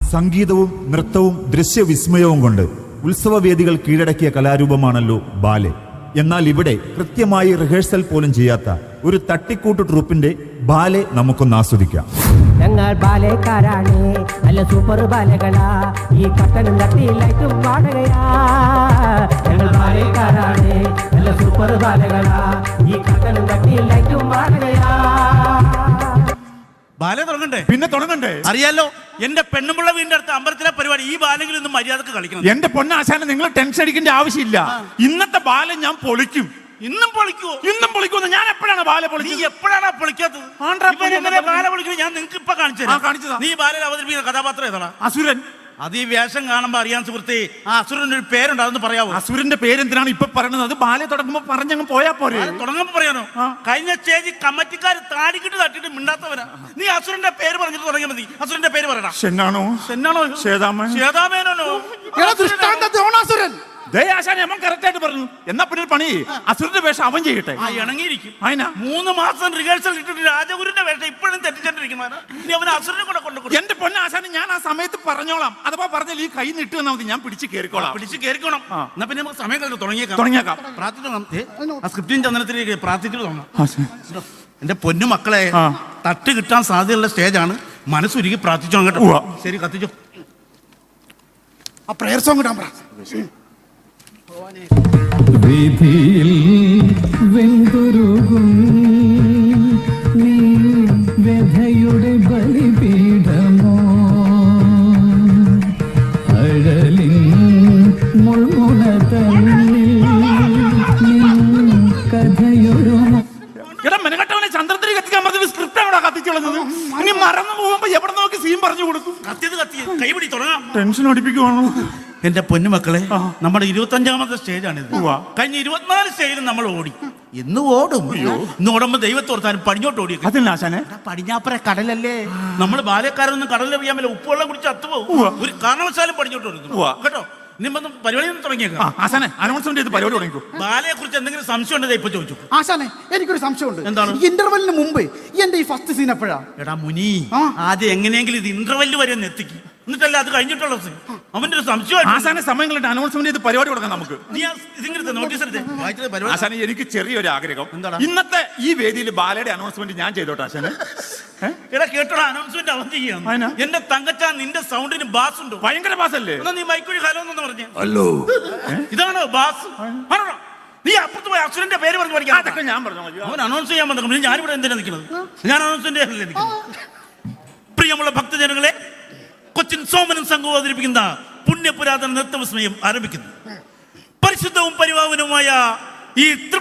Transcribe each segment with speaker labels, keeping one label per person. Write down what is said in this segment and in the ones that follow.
Speaker 1: സംഗീതവും നൃത്തവും ദൃശ്യവിസ്മയവും കൊണ്ട് ഉത്സവവേദികൾ കീഴടക്കിയ കലാരൂപമാണല്ലോ ബാലെ. എന്നാൽ ഇവിടെ കൃത്യമായി റിഹേഴ്സൽ പോലും ചെയ്യാത്ത ഒരു തട്ടിക്കൂട്ട് ട്രൂപ്പിന്റെ ബാലെ നമുക്കൊന്ന് ആസ്വദിക്കാം.
Speaker 2: ഞങ്ങൾ ബാലക്കാരാണ്, നല്ല സൂപ്പർ ബാലകളാ, ഈ കട്ടനും കട്ടിയിലായിട്ടും പാടുകയാ. ഞങ്ങൾ ബാലക്കാരാണ്, നല്ല സൂപ്പർ ബാലകളാ, ഈ കട്ടനും കട്ടിയിലായിട്ടും പാടുകയാ.
Speaker 3: ബാല തുടങ്ങണ്ടേ?
Speaker 1: പിന്നെ തുടങ്ങണ്ടേ?
Speaker 3: അറിയാലോ, എന്റെ പെണ്ണുമുള്ള വീടിന്റെ അടുത്ത് അമ്പലത്തിലെ പരിപാടി. ഈ ബാലെങ്കിലും ഇന്ന് മര്യാദക്ക് കളിക്കണം.
Speaker 1: എന്റെ പൊന്നാശാനെ, നിങ്ങൾ ടെൻഷൻ അടിക്കേണ്ട ആവശ്യമില്ല. ഇന്നത്തെ ബാല ഞാൻ പൊളിക്കും.
Speaker 3: ഇന്നും പൊളിക്കുവോ?
Speaker 1: ഇന്നും പൊളിക്കുന്നു. ഞാൻ എപ്പോഴാണ് ബാല
Speaker 3: നീ
Speaker 1: പൊളിച്ചത്?
Speaker 3: എപ്പോഴാണ് പൊളിക്കാത്തത്? എങ്ങനെ ബാല പൊളിക്കുന്നത് ഞാൻ നിങ്ങൾക്ക് ഇപ്പൊ കാണിച്ചതാ. നീ ബാലയിൽ അവതരിപ്പിക്കുന്ന കഥാപാത്രം ഏതാണ്?
Speaker 1: അസുരൻ.
Speaker 3: അത് ഈ വേഷം കാണുമ്പോ അറിയാൻ സുഹൃത്തെ. ആ അസുരന്റെ ഒരു പേരുണ്ട്, അതൊന്ന് പറയാവോ?
Speaker 1: അസുരന്റെ പേരെന്തിനാണ് ഇപ്പൊ പറയുന്നത്? അത് ബാല തുടങ്ങുമ്പോ പറഞ്ഞങ്ങ് പോയാ പോരെ?
Speaker 3: തുടങ്ങുമ്പോ പറയാനോ? കഴിഞ്ഞ സ്റ്റേജിൽ കമ്മിറ്റിക്കാർ താടിക്കിട്ട് തട്ടിട്ട് മിണ്ടാത്തവരാ. നീ അസുരന്റെ പേര് പറഞ്ഞിട്ട് തുടങ്ങിയാൽ മതി. അസുരന്റെ പേര് പറയണം.
Speaker 1: ഷെന്നാണോ?
Speaker 3: ശ്വേതാമേനോ?
Speaker 1: കറക്റ്റായിട്ട് പറഞ്ഞു. എന്നാ പിന്നെ ഒരു പണി, അസുരന്റെ വേഷം അവൻ ചെയ്യട്ടെ.
Speaker 3: ഇണങ്ങിയിരിക്കും. 3 മാസം റിഹേഴ്സൽ ഇട്ടിട്ട് രാജഗുരുന്റെ വേഷം ഇപ്പോഴും തെറ്റിച്ചോണ്ടിരിക്കുന്നവരാ. നീ അവന് അസുരനെ കൂടെ കൊണ്ടുകൊടുക്കും.
Speaker 1: എന്റെ പൊന്നാശാനെ, ഞാൻ ആ സമയത്ത് പറഞ്ഞോളാം. അഥവാ പറഞ്ഞാൽ ഈ കൈ നിട്ട് തന്നാൽ മതി, ഞാൻ പിടിച്ച് കയറിക്കോളാം.
Speaker 3: എന്നാ പിന്നെ നമുക്ക് സമയം കഴിഞ്ഞ് തുടങ്ങിയേക്കാം. സ്ക്രിപ്റ്റിൻ ചന്ദനത്തിലേക്ക് പ്രാർത്ഥിച്ചിട്ട് തുടങ്ങാം. എന്റെ പൊന്നു മക്കളെ, തട്ട് കിട്ടാൻ സാധ്യതയുള്ള സ്റ്റേജാണ്. മനസ്സുരുകി പ്രാർത്ഥിച്ചോ കേട്ടോ. ശരി, കത്തിച്ചോ.
Speaker 4: ആ പ്രയർ സോങ് ഇടാൻ പറ.
Speaker 5: വിധിയിൽ വെന്തുരുകും നീ വ്യഥയുടെ ബലിപീഠമോ, അഴലിൻ മുൾമുന തന്നിൽ കഥയൊരു
Speaker 1: മെനകെട്ടവനെ ചന്ദ്രത്തിരി കത്തിക്കാൻ പറഞ്ഞ സ്ക്രിപ്റ്റ് അവിടെ കത്തിച്ചുള്ളത്. ഇനി മറന്നു പോകുമ്പോ എവിടെ നോക്കി സീൻ പറഞ്ഞു കൊടുക്കും.
Speaker 3: കൈപിടി തുടങ്ങാം.
Speaker 1: ടെൻഷൻ അടിപ്പിക്കുവാണോ?
Speaker 3: എന്റെ പൊന്നുമക്കളെ, നമ്മുടെ 25ാമത്തെ സ്റ്റേജാണിത്. കഴിഞ്ഞ 24 സ്റ്റേജിലും നമ്മൾ ഓടി. ഇന്ന് ഓടും. ഇന്ന് ഓടുമ്പോ ദൈവത്തോർത്താനും പടിഞ്ഞോട്ട് ഓടി. പടിഞ്ഞാപ്പുറ കടലല്ലേ. നമ്മൾ ബാല്യക്കാരൊന്നും കടലിലെറിയാമല്ലോ. ഉപ്പുവെള്ളം കുടിച്ച് അത്തുപോകും. ഒരു കാരണവശാലും പടിഞ്ഞോട്ട് ഓടുന്നു കേട്ടോ. പരിപാടി തുടങ്ങിയേക്കാം. ബാലയെ കുറിച്ച് എന്തെങ്കിലും സംശയം ഉണ്ടെങ്കിൽ ഇപ്പൊ ചോദിച്ചു.
Speaker 4: ആശാനെ, എനിക്കൊരു സംശയമുണ്ട്.
Speaker 3: എന്താണ്?
Speaker 4: ഇന്റർവെല്ലിന് മുമ്പ് എന്റെ ഈ ഫസ്റ്റ് സീൻ എപ്പോഴാ?
Speaker 3: എടാ മുനി, ആദ്യം എങ്ങനെയെങ്കിലും ഇത് ഇന്റർവെല്ല് വരെ ഒന്ന് എത്തിക്കും. എന്നിട്ടല്ല അത് കഴിഞ്ഞിട്ടുള്ള അവന്റെ ഒരു സംശയം.
Speaker 1: ആശാനെ, സമയങ്ങളുടെ അനൗൺസ്മെന്റ് ചെയ്ത് പരിപാടി കൊടുക്കാം നമുക്ക്.
Speaker 3: ആശാനെ,
Speaker 1: എനിക്ക് ചെറിയൊരു ആഗ്രഹം.
Speaker 3: എന്താണ്?
Speaker 1: ഇന്നത്തെ ഈ വേദിയിൽ ബാലയുടെ അനൗൺസ്മെന്റ് ഞാൻ ചെയ്തോട്ടെ ആശാനെ?
Speaker 3: എടാ കേട്ടോടാ, അനൗൺസ്മെന്റ് അവൻ ചെയ്യാം. എന്റെ തങ്കച്ചാ, നിന്റെ സൗണ്ടിന് ബാസ് ഉണ്ട്.
Speaker 1: ഭയങ്കര ബാസ് അല്ലേ?
Speaker 3: നീ മൈക്കുഴി ഹലോ എന്ന് പറഞ്ഞു.
Speaker 1: ഹലോ,
Speaker 3: ഇതാണോ ബാസ്? നീ അപ്പുറത്ത് പോയി അസുരന്റെ പേര് പറഞ്ഞു പഠിക്കാം.
Speaker 1: അതൊക്കെ ഞാൻ പറഞ്ഞു.
Speaker 3: അവൻ അനൗൺസ് ചെയ്യാൻ വന്നു. ഞാനിവിടെ എന്തിനാ നിൽക്കുന്നത്? ഞാൻ അനൗൺസ്മെന്റ് നിൽക്കുന്നത്. പ്രിയമുള്ള ഭക്തജനങ്ങളെ, കൊച്ചിൻ സോമനും സംഘവും അവതരിപ്പിക്കുന്ന പുണ്യപുരാതന നൃത്തവിസ്മയം ആരംഭിക്കുന്നു. പരിശുദ്ധവും പരിപാവനവുമായ ഈ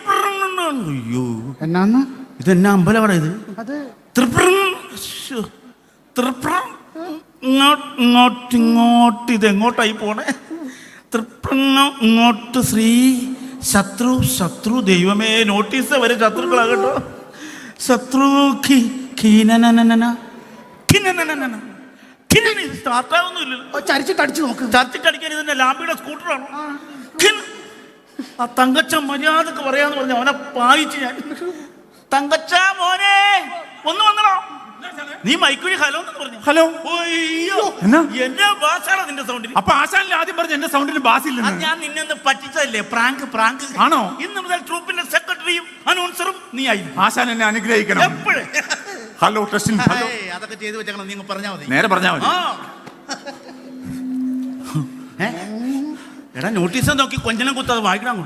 Speaker 3: ഇതെന്നാ അമ്പലമാണ് ഇത്? ഇങ്ങോട്ട് ഇതെങ്ങോട്ടായി പോണേ? ഇങ്ങോട്ട് ശ്രീ ശത്രു ദൈവമേ, നോട്ടീസ് വരെ ശത്രുക്കളാകട്ടോ. ശത്രു
Speaker 4: ചരിച്ചിട്ടടിച്ചു നോക്ക്.
Speaker 3: ചർച്ചിട്ടടിക്കാൻ ഇതിന്റെ ലാമ്പിയുടെ സ്കൂട്ടറാണോ? ആ തങ്കച്ച മര്യാദക്ക് പറയാന്ന് പറഞ്ഞു. അവനെ പായിച്ച് ഞാൻ. തങ്കച്ച മോനെ ഒന്ന് വന്നോ. നീ മൈക്കുഴി ഹലോ എന്ന് പറഞ്ഞു.
Speaker 1: ഹലോ.
Speaker 3: അയ്യോ, എന്റെ ബാസാണ് നിന്റെ സൗണ്ടിന്.
Speaker 1: അപ്പൊ ആശാനിൽ ആദ്യം പറഞ്ഞു എന്റെ സൗണ്ടിന് ബാസ് ഇല്ല.
Speaker 3: ഞാൻ നിന്നെ പറ്റിച്ചതല്ലേ? പ്രാങ്ക്
Speaker 1: ആണോ?
Speaker 3: ഇന്ന് മുതൽ ട്രൂപ്പിന്റെ സെക്രട്ടറിയും അനൗൺസറും നീ ആയി.
Speaker 1: ആശാൻ എന്നെ അനുഗ്രഹിക്കണം.
Speaker 3: എപ്പോഴും
Speaker 1: ഹലോ ടെസ്റ്റിംഗ്. ഹലോ.
Speaker 3: അതൊക്കെ ചെയ്തു വെച്ചേക്കണം. നിങ്ങൾ പറഞ്ഞാൽ മതി.
Speaker 1: നേരെ പറഞ്ഞാൽ മതി.
Speaker 3: എടാ, നോട്ടീസ് നോക്കി കൊഞ്ചനം കുത്താതെ വായിക്കണം.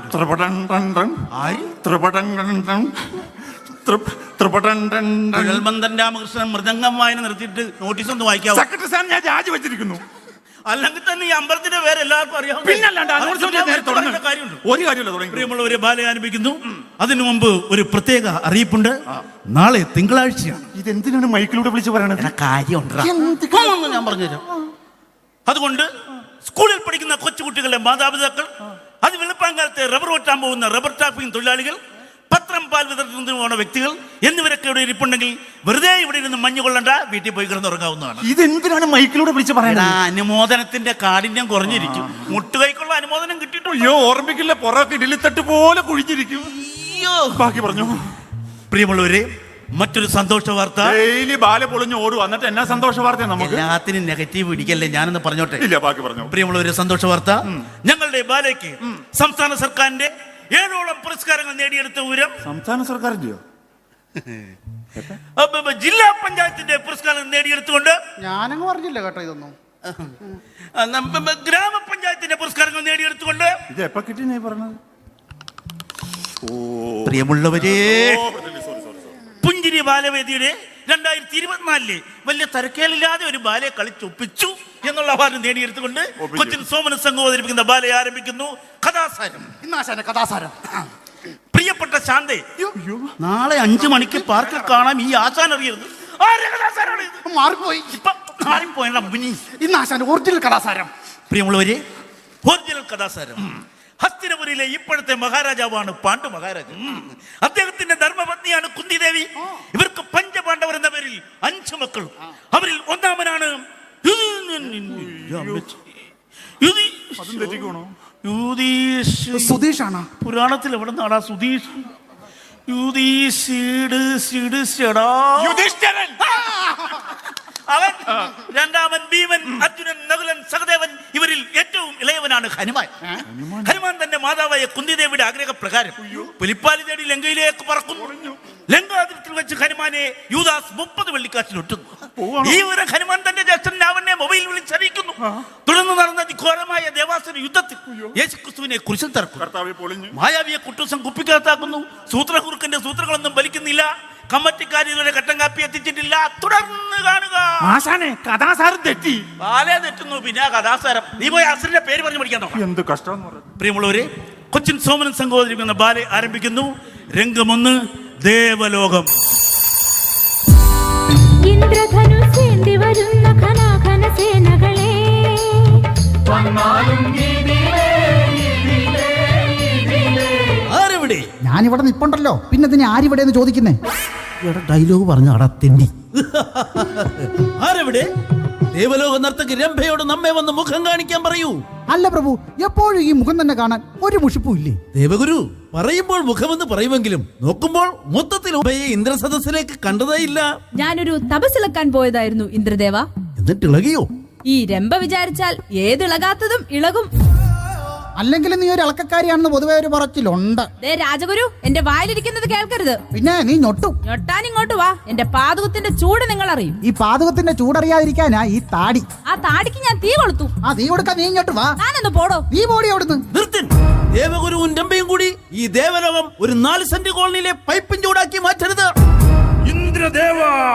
Speaker 3: രാമകൃഷ്ണൻ മൃദംഗം വായന നിർത്തിയിട്ട് നോട്ടീസ് ഒന്ന് വായിക്കാവോ?
Speaker 1: സെക്രട്ടറി സാർ, ഞാൻ രാജി വെച്ചിരിക്കുന്നു.
Speaker 3: അല്ലെങ്കിൽ തന്നെ ഈ അമ്പലത്തിന്റെ പേര് എല്ലാവർക്കും അറിയാം.
Speaker 1: ഒരു കാര്യമില്ല.
Speaker 3: പ്രിയമുള്ളവരെ, ബാല ആരംഭിക്കുന്നു. അതിനു മുമ്പ് ഒരു പ്രത്യേക അറിയിപ്പുണ്ട്. നാളെ തിങ്കളാഴ്ചയാണ്.
Speaker 1: ഇതെന്തിനാണ് മൈക്കിലൂടെ വിളിച്ച് പറയണത്?
Speaker 3: കാര്യമുണ്ട്, ഞാൻ പറഞ്ഞുതരാം. അതുകൊണ്ട് സ്കൂളിൽ പഠിക്കുന്ന കൊച്ചുകുട്ടികളുടെ മാതാപിതാക്കൾ, അത് വെളുപ്പാങ്കാലത്തെ റബ്ബർ വെട്ടാൻ പോകുന്ന റബ്ബർ ടാപ്പിംഗ് തൊഴിലാളികൾ, പത്രം പാൽ വിതരണത്തിന് പോകുന്ന വ്യക്തികൾ എന്നിവരൊക്കെ ഇവിടെ ഇരിപ്പുണ്ടെങ്കിൽ വെറുതെ ഇവിടെ ഇരുന്ന് മഞ്ഞ് കൊള്ളണ്ട, വീട്ടിൽ പോയി കിടന്നുറങ്ങാവുന്നതാണ്.
Speaker 1: ഇതെന്തിനാണ് മൈക്കിലൂടെ വിളിച്ച് പറയുന്നത്?
Speaker 3: അനുമോദനത്തിന്റെ കാഠിന്യം കുറഞ്ഞിരിക്കും. മുട്ടുകൈക്കുള്ള അനുമോദനം കിട്ടിയിട്ടുണ്ടോ?
Speaker 1: അയ്യോ, ഓർമ്മിക്കില്ല. പുറത്ത് ഇഡലിത്തട്ട് പോലെ കുഴിഞ്ഞിരിക്കും.
Speaker 3: അയ്യോ,
Speaker 1: ബാക്കി പറഞ്ഞു.
Speaker 3: പ്രിയമുള്ളവരെ, മറ്റൊരു സന്തോഷ വാർത്ത.
Speaker 1: ഡെയിലി ബാല പൊളിഞ്ഞ് ഓടും, എന്നിട്ട് എന്നാ സന്തോഷ വാർത്ത നമുക്ക്?
Speaker 3: എല്ലാത്തിനും നെഗറ്റീവ് പിടിക്കല്ലേ, ഞാനൊന്ന് പറഞ്ഞോട്ടെ.
Speaker 1: ഇല്ല, ബാക്കി പറഞ്ഞു.
Speaker 3: പ്രിയമുള്ള ഒരു സന്തോഷ വാർത്ത. ഞങ്ങളുടെ ബാലയ്ക്ക് സംസ്ഥാന സർക്കാരിന്റെ 7ഓളം പുരസ്കാരങ്ങൾ നേടിയെടുത്ത വിവരം
Speaker 1: സംസ്ഥാന സർക്കാരിന്റെയോ
Speaker 3: ജില്ലാ പഞ്ചായത്തിന്റെ പുരസ്കാരം നേടിയെടുത്തുകൊണ്ട്
Speaker 4: ഞാനങ്ങ് പറഞ്ഞില്ല കേട്ടോ ഇതൊന്നും.
Speaker 3: ഗ്രാമപഞ്ചായത്തിന്റെ പുരസ്കാരങ്ങൾ നേടിയെടുത്തുകൊണ്ട്
Speaker 1: ഇത് എപ്പോ കിട്ടി നീ പറഞ്ഞത്?
Speaker 3: പ്രിയമുള്ളവരെ, പുഞ്ചിരി ബാലവേദിയുടെ 2024 വലിയ തരക്കേലില്ലാതെ ഒരു ബാലയെ കളിച്ചൊപ്പിച്ചു എന്നുള്ള അവാർഡ് നേടിയെടുത്തുകൊണ്ട് കൊച്ചിൻ സോമന സംഘം അവതരിപ്പിക്കുന്ന ബാലയെ ആരംഭിക്കുന്നു. കഥാസാരം.
Speaker 4: ഇന്നാശാന്റെ കഥാസാരം.
Speaker 3: പ്രിയപ്പെട്ട ശാന്തേ, നാളെ 5 മണിക്ക് പാർക്കിൽ കാണാം. ഈ ആശാൻ അറിയരുത്.
Speaker 4: മാറിപ്പോയി. ഇന്നാശാന്റെ ഒറിജിനൽ കഥാസാരം.
Speaker 3: പ്രിയമുള്ളവരെ, ഒറിജിനൽ കഥാസാരം. ഹസ്തിനപുരിയിലെ ഇപ്പോഴത്തെ മഹാരാജാവാണ് പാണ്ഡു മഹാരാജൻ. അദ്ദേഹത്തിന്റെ ധർമ്മപത്നിയാണ് കുന്തിദേവി. ഇവർക്ക് പഞ്ചപാണ്ഡവർ എന്ന പേരിൽ 5 മക്കളും. അവരിൽ ഒന്നാമനാണ്
Speaker 4: സുധീഷാണ്.
Speaker 3: പുരാണത്തിൽ എവിടെ നിന്നാടാ സുധീഷ്? അവൻ രണ്ടാമൻ ഭീമൻ, അർജുനൻ, നകുലൻ, സഹദേവൻ. ഇവരിൽ ഏറ്റവും ഇളയവനാണ് ഹനുമാൻ. ഹനുമാൻ തന്റെ മാതാവായ കുന്തിദേവിയുടെ ആഗ്രഹപ്രകാരം പുലിപ്പാലി തേടി ലങ്കയിലേക്ക് പറക്കുന്നു. ലങ്കാതിരത്തിൽ വെച്ച് ഹനുമാനെ യൂദാസ് 30 വെള്ളിക്കാശിൽ ഒറ്റുന്നു. ഈ ഒരു ഹനുമാൻ തന്റെ ജ്യേഷ്ഠൻ രാവണനെ മൊബൈൽ വിളിച്ചറിയിക്കുന്നു. തുടർന്ന് നടന്ന ഘോരമായ ദേവാസുര യുദ്ധത്തിൽ യേശുക്രിസ്തുവിനെ കുരിശിൽ തറക്കുന്നു. മായാവിയെ കുട്ടൂസം കുപ്പിക്കകത്താക്കുന്നു. സൂത്രകുറുക്കന്റെ സൂത്രങ്ങളൊന്നും വലിക്കുന്നില്ല. കമ്മറ്റിക്കാർ ഇതുവരെ കട്ടൻ കാപ്പി എത്തിച്ചിട്ടില്ല. തുടർന്ന് കാണുക.
Speaker 1: ആശാനെ, കഥാസാരം തെറ്റി.
Speaker 3: ബാലേ തെറ്റുന്നു, പിന്നെ കഥാസാരം. നീ പോയി അസുരന്റെ പേര് പറഞ്ഞു പഠിക്കാൻ നോക്കാം.
Speaker 1: എന്ത് കഷ്ടം.
Speaker 3: പ്രിയമുള്ളവരെ, കൊച്ചിൻ സോമനൻ സംഘം അവതരിപ്പിക്കുന്ന ബാലെ ആരംഭിക്കുന്നു. രംഗം 1, ദേവലോകം.
Speaker 6: ഇന്ദ്രധനുസേന്തി വരുന്ന ഘനാഘന സേനകളെ
Speaker 3: ആരെവിടെ?
Speaker 4: ഞാനിവിടെ നിപ്പുണ്ടല്ലോ, പിന്നെ ഇതിന് ആരിവിടെയെന്ന് ചോദിക്കുന്നേ?
Speaker 3: ഡയലോഗ് പറഞ്ഞ അടത്തെണ്ടി. ആരെവിടെ? ദേവലോക നർത്തകി രംഭയോട് നമ്മെ വന്ന് മുഖം കാണിക്കാൻ പറയൂ.
Speaker 4: അല്ല പ്രഭു, എപ്പോഴും ഈ മുഖം തന്നെ കാണാൻ ഒരു മുഷിപ്പും ഇല്ലേ?
Speaker 3: ദേവഗുരു, പറയുമ്പോൾ മുഖമെന്ന് പറയുമെങ്കിലും നോക്കുമ്പോൾ മൊത്തത്തിൽ ഉഭയെ ഇന്ദ്രസദസ്സിലേക്ക് കണ്ടതേ ഇല്ല.
Speaker 7: ഞാനൊരു തപസ്സിളക്കാൻ പോയതായിരുന്നു ഇന്ദ്രദേവ.
Speaker 3: എന്നിട്ട് ഇളകിയോ?
Speaker 7: ഈ രംഭ വിചാരിച്ചാൽ ഏതിളകാത്തതും ഇളകും.
Speaker 4: അല്ലെങ്കിൽ നീ ഒരു ഇളക്കക്കാരിയാണെന്ന് പൊതുവെ ഒരു പറച്ചിലുണ്ട്.
Speaker 7: ദേ രാജഗുരു, എന്റെ വായിലിരിക്കുന്നത് കേൾക്കരുത്.
Speaker 4: പിന്നെ നീ ഞൊട്ടും.
Speaker 7: ഞൊട്ടാൻ ഇങ്ങോട്ട് വാ. എന്റെ പാതകത്തിന്റെ ചൂട് നിങ്ങൾ അറിയും.
Speaker 4: ഈ പാതകത്തിന്റെ ചൂടറിയാതിരിക്കാനാ ഈ താടി.
Speaker 7: ആ താടിക്ക് ഞാൻ തീ കൊളുത്തു.
Speaker 4: ആ തീ കൊടുക്കാൻ നീ ഇങ്ങോട്ട് വാ.
Speaker 7: ഞാനൊന്ന് പോടോ.
Speaker 4: നീ പോടി അവിടുന്ന്.
Speaker 3: നിർത്തിൻ. ദേവഗുരുവും രംഭയും കൂടി ഈ ദേവലോകം ഒരു 4 സെന്റ് കോളനിയിലെ പൈപ്പും ചൂടാക്കി മാറ്റരുത്. ഇന്ദ്രദേവ,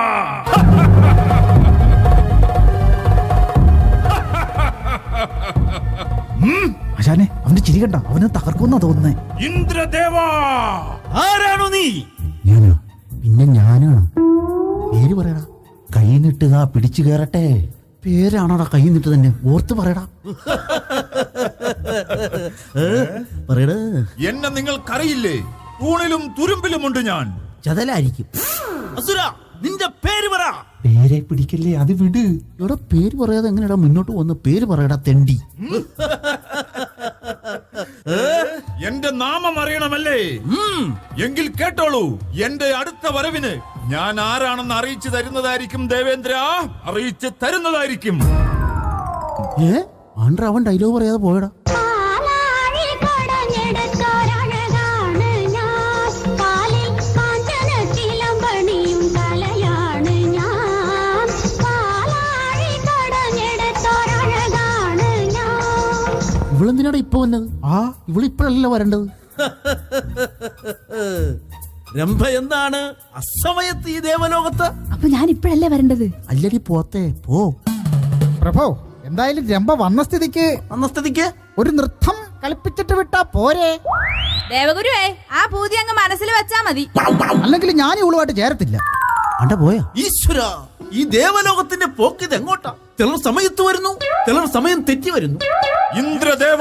Speaker 4: ആശാനെ, അവന്റെ ചിരി കണ്ട അവന് തകർക്കുന്ന തോന്നുന്നേ.
Speaker 3: ഇന്ദ്രദേവ, ആരാണോ നീ?
Speaker 2: ഞാനോ? പിന്നെ ഞാനാണ്. പേര് പറയടാ. കൈ നിട്ടുക, പിടിച്ചു കയറട്ടെ. പേരാണോടാ? കൈ നിട്ട് തന്നെ ഓർത്ത് പറയടാ. പറയടാ.
Speaker 1: എന്നെ നിങ്ങൾക്കറിയില്ലേ? തൂണിലും തുരുമ്പിലുമുണ്ട് ഞാൻ.
Speaker 2: ചതലായിരിക്കും.
Speaker 3: അസുര, നിന്റെ പേര് പറ.
Speaker 2: പേരെ പിടിക്കല്ലേ, അത് വിട്. ഇവിടെ പേര് പറയാതെ എങ്ങനെയാ മുന്നോട്ട് വന്ന്? പേര് പറയടാ തെണ്ടി.
Speaker 1: എന്റെ നാമം അറിയണമല്ലേ? എങ്കിൽ കേട്ടോളൂ. എന്റെ അടുത്ത വരവിന് ഞാൻ ആരാണെന്ന് അറിയിച്ചു തരുന്നതായിരിക്കും ദേവേന്ദ്ര. അറിയിച്ചു തരുന്നതായിരിക്കും.
Speaker 2: ആണ്ട്ര, അവൻ ഡയലോഗ് പറയാതെ പോയടാ.
Speaker 6: പാലാഴി കടഞ്ഞെടുത്തോരണകാണ് ഞാൻ. കാലിൽ കാഞ്ചന ചിലമ്പണിയും തലയാണ് ഞാൻ. പാലാഴി കടഞ്ഞെടുത്തോരണകാണ് ഞാൻ.
Speaker 2: ഇവളെന്തിനാടാ ഇപ്പൊ വന്നത്? ഇവളിപ്പോഴല്ല വരേണ്ടത്.
Speaker 3: രംഭ എന്താണ് അസമയത്ത് ഈ ദേവലോകത്ത്?
Speaker 7: അപ്പൊ ഞാൻ ഇപ്പഴല്ലേ വരേണ്ടത്?
Speaker 2: അല്ലടി പോത്തെ, പോ.
Speaker 4: പ്രഭു, എന്തായാലും രംഭ വന്ന സ്ഥിതിക്ക് ഒരു നൃത്തം കളിപ്പിച്ചിട്ട് വിട്ടാ പോരെ?
Speaker 7: ദേവഗുരുവേ, ആ പൂതി അങ്ങ് മനസ്സിൽ വെച്ചാ മതി.
Speaker 4: അല്ലെങ്കിൽ ഞാൻ ഇവളുമായിട്ട് ചേരത്തില്ല.
Speaker 2: അണ്ട പോയാ?
Speaker 3: ഈശ്വര, ഈ ദേവലോകത്തിന്റെ പോക്കിത് എങ്ങോട്ടാ? ചിലർ സമയത്ത് വരുന്നു, ചിലർ സമയം തെറ്റി വരുന്നു.
Speaker 1: ഇന്ദ്രദേവ,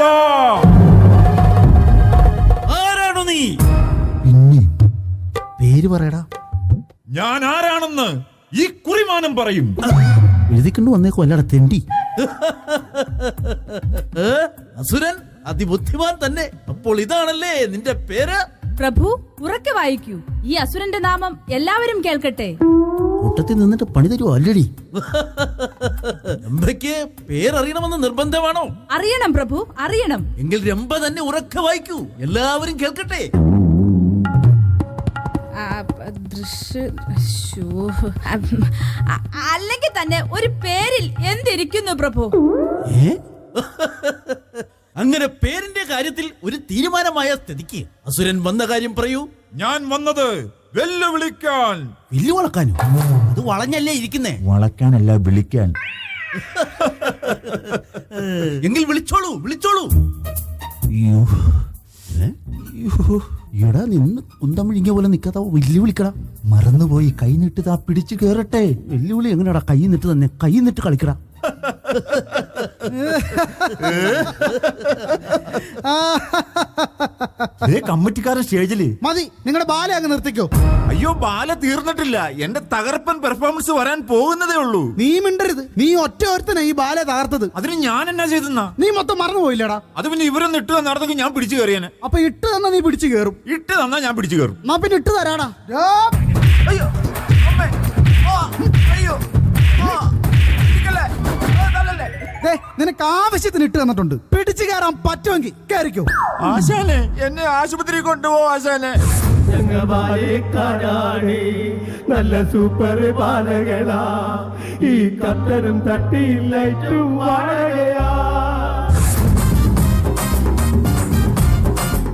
Speaker 3: ആരാണോ നീ?
Speaker 2: പിന്നെ പേര് പറയടാ.
Speaker 1: ഞാൻ ആരാണെന്ന് ഈ കുറിമാനം പറയും.
Speaker 2: എഴുതിക്കൊണ്ട് വന്നേക്കോ, അല്ലടാ തെണ്ടി.
Speaker 3: അസുരൻ അതിബുദ്ധിമാൻ തന്നെ. അപ്പോൾ ഇതാണല്ലേ നിന്റെ പേര്?
Speaker 7: പ്രഭു ഉറക്കെ വായിക്കൂ. ഈ അസുരന്റെ നാമം എല്ലാവരും കേൾക്കട്ടെ.
Speaker 2: കൂട്ടത്തിൽ നിന്നിട്ട് പണി തരുമോ അല്ലടി?
Speaker 8: രംഭയ്ക്ക് പേരറിയണമെന്ന് നിർബന്ധമാണോ?
Speaker 7: അറിയണം പ്രഭു, അറിയണം.
Speaker 8: എങ്കിൽ രംഭ തന്നെ ഉറക്കെ വായിക്കൂ, എല്ലാവരും കേൾക്കട്ടെ.
Speaker 7: അല്ലെങ്കിൽ തന്നെ ഒരു പേരിൽ എന്തിരിക്കുന്നു പ്രഭു?
Speaker 8: അങ്ങനെ പേരിന്റെ കാര്യത്തിൽ ഒരു തീരുമാനമായ സ്ഥിതിക്ക് അസുരൻ വന്ന കാര്യം പറയൂ.
Speaker 1: ഞാൻ വന്നത് വെല്ലുവിളിക്കാൻ.
Speaker 2: വില്ലു വളക്കാനോ?
Speaker 8: അത് വളഞ്ഞല്ലേ ഇരിക്കുന്നേ.
Speaker 1: വളക്കാനല്ല, വിളിക്കാൻ.
Speaker 8: എങ്കിൽ വിളിച്ചോളൂ, വിളിച്ചോളൂ.
Speaker 2: അയ്യോ, എടാ നിന്ന് കുന്തം വിഴിഞ്ഞ പോലെ നിക്കാത്ത വെല്ലുവിളിക്കടാ. മറന്നുപോയി, കൈ നീട്ടുതാ പിടിച്ചു കേറട്ടെ. വെല്ലുവിളി എങ്ങനെയാടാ? കൈ നീട്ട് തന്നെ, കൈ നീട്ട് കളിക്കടാ.
Speaker 1: കമ്മിറ്റിക്കാരൻ സ്റ്റേജില്.
Speaker 4: മതി, നിങ്ങളുടെ ബാല അങ്ങ് നിർത്തിക്കോ.
Speaker 1: അയ്യോ, ബാല തീർന്നിട്ടില്ല. എന്റെ തകർപ്പൻ പെർഫോമൻസ് വരാൻ പോകുന്നതേ ഉള്ളൂ.
Speaker 4: നീ മിണ്ടരുത്. നീ ഒറ്റ ഒരുത്തനെ ഈ ബാല തകർത്തത്.
Speaker 1: അതിന് ഞാൻ എന്നാ ചെയ്തെന്നാ?
Speaker 4: നീ മൊത്തം മറന്നുപോയില്ലടാ.
Speaker 1: അത് പിന്നെ ഇവരൊന്നും ഇട്ട് തന്നിടത്തേക്ക് ഞാൻ പിടിച്ചു കയറിയാനെ.
Speaker 4: അപ്പൊ ഇട്ട് തന്നാ നീ പിടിച്ചു കേറും.
Speaker 1: ഇട്ട് തന്നാ ഞാൻ പിടിച്ചു കയറും.
Speaker 4: എന്നാ പിന്നെ ഇട്ട് തരാടാ.
Speaker 1: അയ്യോ, അമ്മേ. ആ, അയ്യോ, ആ, ഇരിക്കല്ലേ? ആ, തള്ളല്ലേ?
Speaker 4: ദേ, നിനക്ക് ആവശ്യത്തിന് ഇട്ട് തന്നിട്ടുണ്ട്. പിടിച്ചു കയറാൻ പറ്റുമെങ്കിൽ കയറിക്കോ.
Speaker 1: ആശാനെ, എന്നെ ആശുപത്രി കൊണ്ടുപോ ആശാനെ.
Speaker 5: ഞങ്ങബാലേക്കാരാണി നല്ല സൂപ്പർ ബാലകളാ, ഈ കത്തരും തട്ടിയില്ലും വാഴകയാ.